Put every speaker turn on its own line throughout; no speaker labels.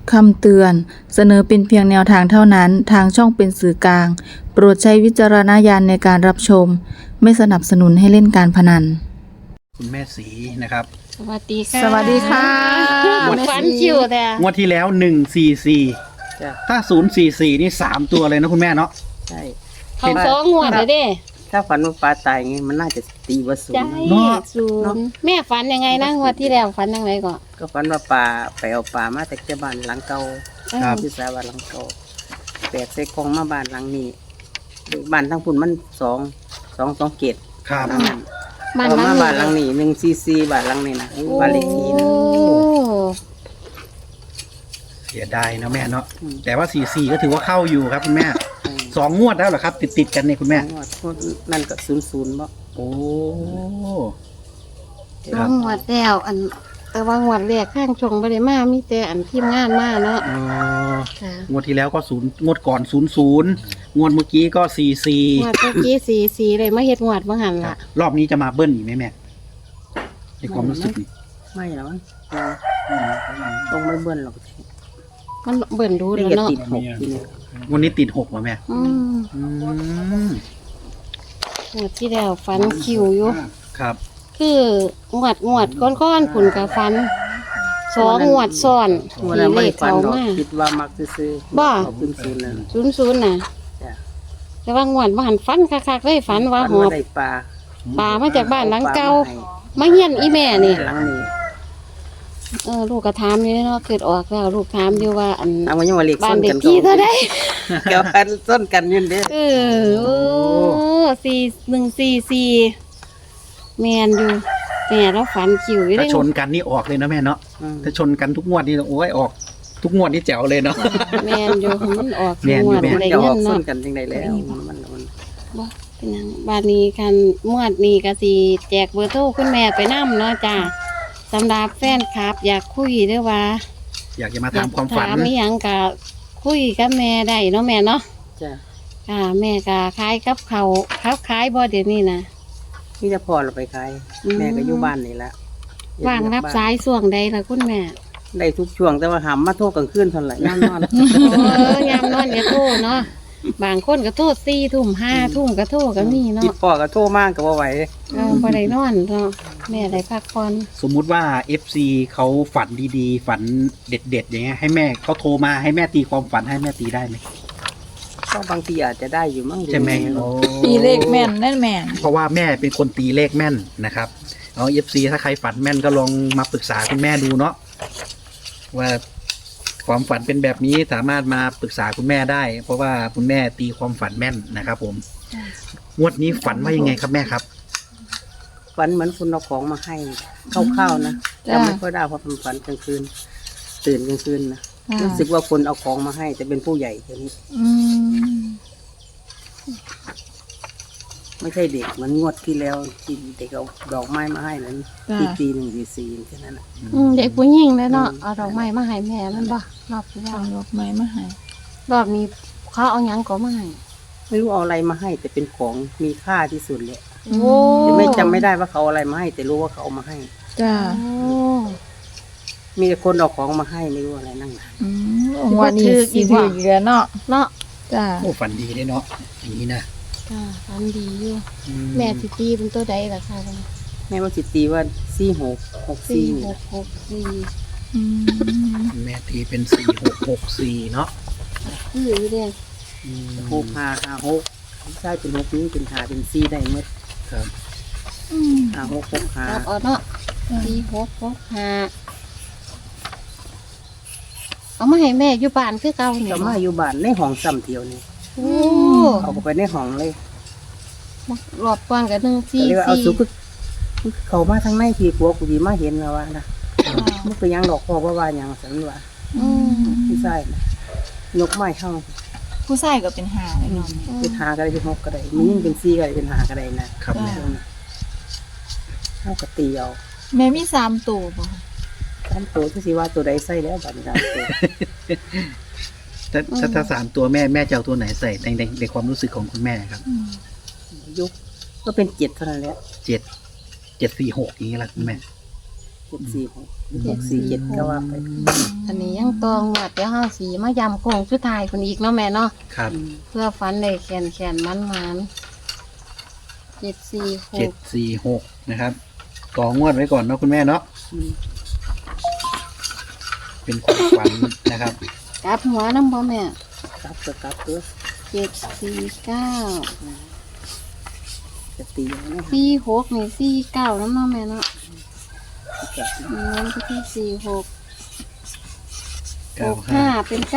คำเตือนเสนอเป็นเพียงแนวทางเท่านั้นทางช่องเป็นสื่อกลางโปรดใช้วิจารณญาณในการรับชมไม่สนับสนุนให้เล่นการพนัน
คุณแม่สีนะครับ
สวัสดีค่ะ
สวัสดีค่ะ
ฝันคิวแต่
งวดที่แล้ว144
จ้ะ
ถ้า044นี่3ตัวเลยนะคุณแม่เนาะ
ใช่
เขาสองงวดเลยเด้
ถ้าฝันว่าปลาตายไงมันน่าจะตีว่าศูน
ใจ
ย์
ศูนย์แม่ฝันยังไงนะงวดที่แล้วฝันยังไงก่อน
ก็ฝันว่าปลาไปเอาปลามาแต่เจ้าบ้านหลังเก่า
ครับ
ที่สาบ้านหลังเก่าแปลกใส่กล่องมาบ้านหลังนี้บ้านทั้งพุ่นมันสองเกต
ครับ
บ้าน
เอา
หลั
มาง บ้านหลังนี้144บ้านหลังนี้นะบ้านเลขที่นะ
โอ้
เสียดายนะแม่เนาะแต่ว่า44ก็ถือว่าเข้าอยู่ครับคุณแม่2 งวดแล้วเหรอครับ ติดกันเนี่ยคุณแม่
นั่นก็00บ่
โอ้
สองงวดแล้วแต่ว่างวดแรกข้างชงบ่ได้มามีแต่ทีมงานมาเนาะ
อ๋อ
ค่ะ
งวดที่แล้วก็0งวดก่อน00งวดเมื่อกี้ก็44
งวดเมื่อกี้44เลยมาเฮ็ดงวดบ่หัน
ครั
ล่ะ
บรอบนี้จะมาเบิ้ลอีกไหมแม่ในความรู้สึกนี่
ไม่หรอกมั้งต้องไม่เบิ้ลหรอก
มันเบิ่นดู
นี่
แล้ว
ก็
เนาะ
ติด6ทีนี้
วันนี้ติด6ว่ะแม่
อืม
อืม
งวดที่แล้วฝันคิวอยู่
ครับ
คืองวดก้อนๆผุนกับฟันสองงวดซ้อน
วัน
ที่
นั้น
เล
ไม่
ข
ฝัน
เขา
หรอก
มา
คิดว่ามักซื้อๆ
บ่
เอาขึ้นศูนย์นั่น
00น่ะ
จ้ะ
แต่ว่างวดบ่หันฟันคักๆเลยฝันว่า
ฝัน
หอ
ว่า
บ
ได้ปลา
ปลามาจากบ้านหลังเก่า
ให้
มาเฮียนอีแม่นี่
หลังนี้
ลูกก็ถามอยู่เนาะเกิดออกแล้วลูกถามอยู่ว่า
เอาไว้ยังว่าเล็ก
บ้า
ส้
น
น
เด็
กั
ก
น
ที่เท่าใด
เกี่ยวกันส้นกันอยืนเด้
โอ้4144แม่นอยู่แม่เราฝันคิวอยู่
ถ้า
เด้
ชนกันนี่ออกเลยนะแม่เนาะถ้าชนกันทุกงวดนี่โอ้ยออก ทุกงวดนี่แจ๋วเลยเนาะ
แม่นอยู่มันออก
แม่นอยู่
งวด
แม่น
ได้
จะอ
เงิ
อก
น
ส้
เนาะ
นกันจังไดแล้วมัน
บ่เป็นหยังบาดนี้คันมวดนี้ก็สิแจกเบอร์โทรคุณแม่ไปนํเนาะจ้าสำหรับแฟนคลับ อยากคุยหรือว่า
อยากจะมาถามความฝัน
ถามอีหยังก็คุยกับแม่ได้เนาะแม่เนาะ
จ้ะ
ค่ะแม่ก็ขายกับเขาวขายบ่เดี๋ยวนี้นะ
นี่จะพอเราไปขาย
อืม
แม่ก็อยู่บ้านนี่ละ
ว่างรับสายส่วงใดล่ะคุณแม่
ได้ทุกช่วงแต่ว่าหามมาโทษกลางคืนเท่าไหร่ย่านนอน
ยามนอนก็โทรเนาะบางคนก็โทษ4 ทุ่ม5 ทุ่มก็โทรก็มี
ติ
เนาะ
ดพ่อก็โทษมากก็บ่ไหว
บ่ได้นอนเนาะแม่ได้พักผ่อน
สมมุติว่า FC เขาฝันดีๆ ฝันเด็ดๆอย่างเงี้ยให้แม่เขาโทรมาให้แม่ตีความฝันให้แม่ตีได้ไหม
ก็บางทีอาจจะได้อยู่มั้ง
ใช่ไหม
ตีเลขแม่นแน่นแม่น
เพราะว่าแม่เป็นคนตีเลขแม่นนะครับเอา FC ถ้าใครฝันแม่นก็ลองมาปรึกษาคุณแม่ดูเนาะว่าความฝันเป็นแบบนี้สามารถมาปรึกษาคุณแม่ได้ เพราะว่าคุณแม่ตีความฝันแม่นนะครับผมงวดนี้ฝันว่ายังไงครับแม่ครับ
ฝันเหมือนคุณเอาของมาให้เข้าวๆนะจำไม่ค่อยได้เพราะเป็นฝันกลางคืน ตื่นกลางคืนนะรู้สึกว่าคนเอาของมาให้แต่เป็นผู้ใหญ่คนนี้
อืม
ไม่ใช่เด็กเหมันงวดที่แล้วที่เด็กเอาดอกไม้มาให้นั้นอีกปี1 4 4แค่นั้นนะ
เด็กผู้หญิงเลยเนาะเอาดอกไม้มาให้แม่มันบ่รอบที่แล้ว
เอาดอกไม้มาให้
รอบนี้เขาเอาหยังก็มาให้
ไม่รู้เอาอะไรมาให้ แต่เป็นของมีค่าที่สุดเลย
โอ้
แต่ไม่จำไม่ได้ว่าเขาเอาอะไรมาให้ แต่รู้ว่าเขาเอามาให้
จ้า
โอ้
มีแต่คนเอาของมาให้ไม่รู้อะไรนั่งนะ
อืมวันนี้สิถืออีกแล้วเนาะ
เนาะ
จ้า
โอ้ฝันดีเลยเนาะอย่างนี้นะ
จ้าฝันดีอยู่
อื
แม่สิตีเป็นตัวใดล่ะค่ะ
แม่ว่าจิตตีว่า4664นี่นะ
4664
อืม
แม่ตีเป็น4664เนาะ
คือเด้
6556ใช่เป็น6นี้เป็น5เป็น4ได้หมด
ครับ
อืม
5665
รับเอาเนาะ4665เอามาให้แม่อยู่บ้านคือเก่านี่
ก็มาอยู่บ้านในห้องซ้ำเที่ยวนี่
โอ้
เอาไปในห้องเลย
รอบก่อนก็
ก็เรียกว่าเอาสุก
144
เขามาทางในพี่กลัวกูดีมาเห็นแล้วว่านะมันก็ยังดอกพ่อว่าหยังสันว่า
อืม
พี่ชายนะยกไม้เข้า
ผู้ชายก็เป็นหาเลยเนาะ
เป็นหาก็ได้เป็น6ก็ได้มียิ่งเป็น4ก็ได้เป็น5ก็ได้นะครับ
แม่
เอากระตีเอา
แม่มี3ตัวบ่
ตามตัวที่สิว่าตัวใดใส่แล้วบัดนี้ตามตัว
ถ้า3 ตัวแม่จะเอาตัวไหนใส่ในความรู้สึกของคุณแม่ครับ
อืม
ยุคก็เป็น7เท่านั้นแหละ
7 746อย่างนี้แหละคุณแม่
746 647ก็ว่าไป
อันนี้ยังตองวดเดี๋ยวเฮาสีมายำโค้งสุดท้ายคนอีกเนาะแม่เนาะ
ครับ
เพื่อฟันเลยแขนมัน746
นะครับต่องวดไว้ก่อนเนาะคุณแม่เนาะ
อืม
เป็นความฝันนะครับ
กลับหัวน้ำบ่แม่
กลับก็กลับเด้อ
749
จะตีเอานะ
46นี่49น้ำเนาะแม่เนาะมันก็ที่46 65เป็น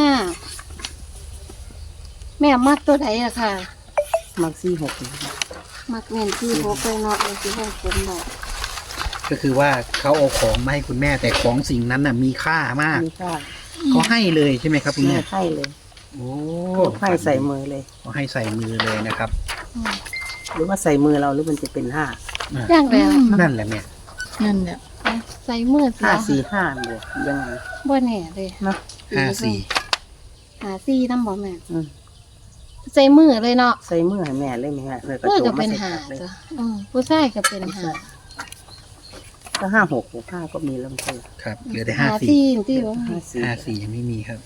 95แม่มักตัวใดอะค่ะ
มัก46นะครับ
มักแม่น46เลยเนาะเลยสิให้ผมบอก
ก็คือว่าเขาเอาของมาให้คุณแม่แต่ของสิ่งนั้นน่ะมีค่ามาก
มีค่า
เขาให้เลยใช่ไหมครับคุณ
แม่
แม่
ให้เลย
โอ้
ให้ใส่มือเลย
เขาให้ใส่มือเลยนะครับ
หรือว่าใส่มือเราหรือมันจะเป็น5
ย่างแล้ว
นั่นแหละแม่
นั่นแหละ
ใส่มือเสีย
545บ่ยังไง
บ่แน่เลย
เนาะ
54
54นำบ่แม่
อืม
ใส่มือเลยเนาะ
ใส่มือให้แม่เลยแม่เลยก็
เพื่อ
โจ
ก็
ม
เป็
มาน ใส่
หา
ปากเลย
จ้ะผู้ชายก็เป็นหา
ก็56 65ก็มีแล้วมันก็
ครับเหลือแต่
หา
54
ที่ที่บ่
54ยังไม่มีครับ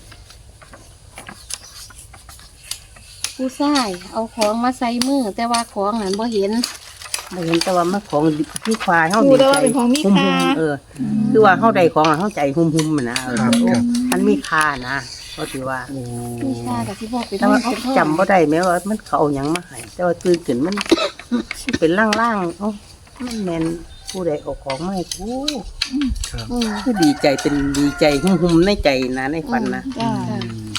ผู้ชายเอาของมาใส่มือแต่ว่าของนั้นบ่เห็น
ไม่เห็นแต่ว่ามันของที่ควายเฮา
ดู
ดี
แล้ว
ใจ
ว่าเป็นของมี
หุ่ม
ค่า
ๆคือว่าเฮาได้ของอะเฮาใจหุ่มๆมันนะ
ครับครับ
มันมีค่านะก็ถือว่า
โอ้
ผู้ชายก็สิบอกไป
แต่ว่าเขาจำบ่ได้แม้ว่ามันเขาเอาหยังมาให้แต่ว่าตื่นขึ้นมัน เป็นล่างๆเอ้ามันแม่นผู้ใดเอาของมาให้กู
ครับ
คือดีใจเป็นดีใจหุ่มๆในใจนะในฝันนะ
จ้า
อืม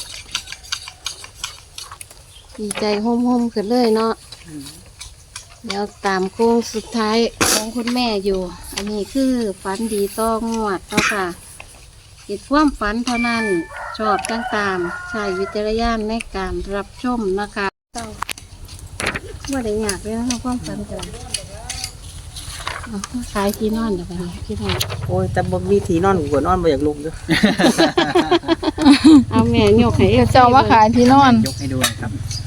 ดีใจห่มๆขึ้นเลยเนาะเดี๋ยวตามโค้งสุดท้ายของคุณแม่อยู่ อันนี้คือฝันดีต้องงวดเนาะค่ะคิดความฝันเท่านั้นชอบจังตามใช้วิจารณญาณในการรับชมนะคะว่าได้ยากเลยนะความฝันกันขายที่นอนเดี๋ยวไปที่นอน
โอ้ยแต่บ่มีที่นอนกูก็นอนบ่อยากลุกเด้อ
เอาแม่ยกให้
เดี๋ยวเจ้าว่าขายที่นอน
ยกให้ดูหนะครับ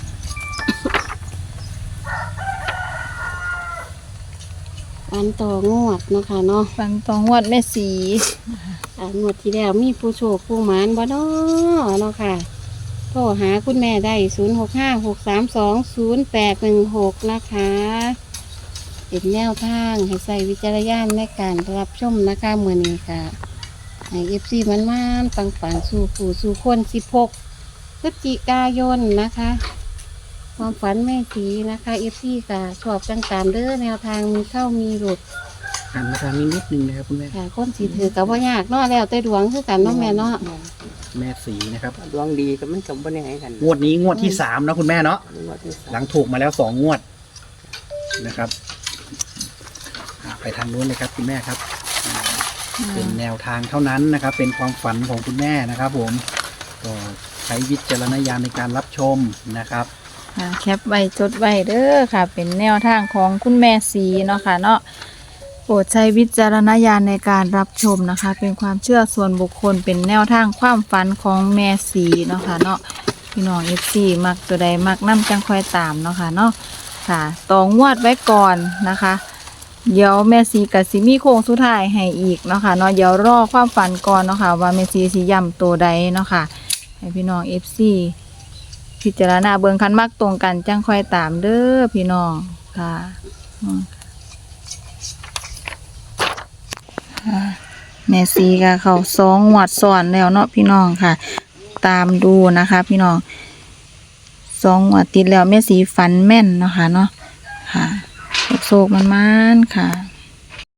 ฝันต่องวดเนาะคะเนาะ
ฟังตองวดแม่สี
งวดที่แล้วมีผู้โชคผู้หมานบ่เนาะเนาะค่ะโทรหาคุณแม่ได้0656320816นะคะเป็นแนวทางให้ใส่วิจารณญาณในการรับชมนะคะมื้อนี้ค่ะให้ FC มันๆปังๆสู่ผู้สู่คน16พฤศจิกายนนะคะ ความฝันแม่สีนะคะ FC ค่ะชอบจังตามเด้อแนวทางมีเข้ามีหลุด
หันมาทางนี้นิดนึงนะครับคุณแม่
ค่ะคนสีถือกับว่ายากเนาะแล้วแต่ดวงคือกันเนาะแม่เนาะ
แม่สีนะครับ
ดวงดีก็มันก็บ่ได้ให้กัน
งวดนี้งวดที่3นะคุณแม่เนาะ
งวดที่สาม
หลังถูกมาแล้ว2งวดนะครับไปทางนู้นเลยครับคุณแม่ครับเป็นแนวทางเท่านั้นนะครับ เป็นความฝันของคุณแม่นะครับ ผมก็ใช้วิจารณญาณในการรับชมนะครับ
ค่ะแคปไว้จดไว้เด้อค่ะ เป็นแนวทางของคุณแม่สีเนาะค่ะเนาะโปรดใช้วิจารณญาณในการรับชมนะคะ เป็นความเชื่อส่วนบุคคลเป็นแนวทางความฝันของแม่สีเนาะค่ะเนาะพี่น้อง FC มักตัวใดมักนำจังค่อยตามเนาะค่ะเนาะค่ะต่องวดไว้ก่อนนะคะ เดี๋ยวแม่สีกับสิมีโค้งสุดท้ายให้อีกเนาะค่ะเนาะเดี๋ยวรอความฝันก่อนเนาะค่ะว่าแม่สีสิย้ำตัวใดเนาะค่ะให้พี่น้อง FC พิจารณาเบิ่งคันมักตรงกันจังค่อยตามเด้อพี่น้องค่ะแม่ซีก็เขา2 งวดซ้อนแล้วเนาะพี่น้องค่ะ ตามดูนะคะพี่น้อง2 งวดติดแล้วแม่สีฝันแม่นเนาะค่ะเนาะค่ะโศกมันค่ะ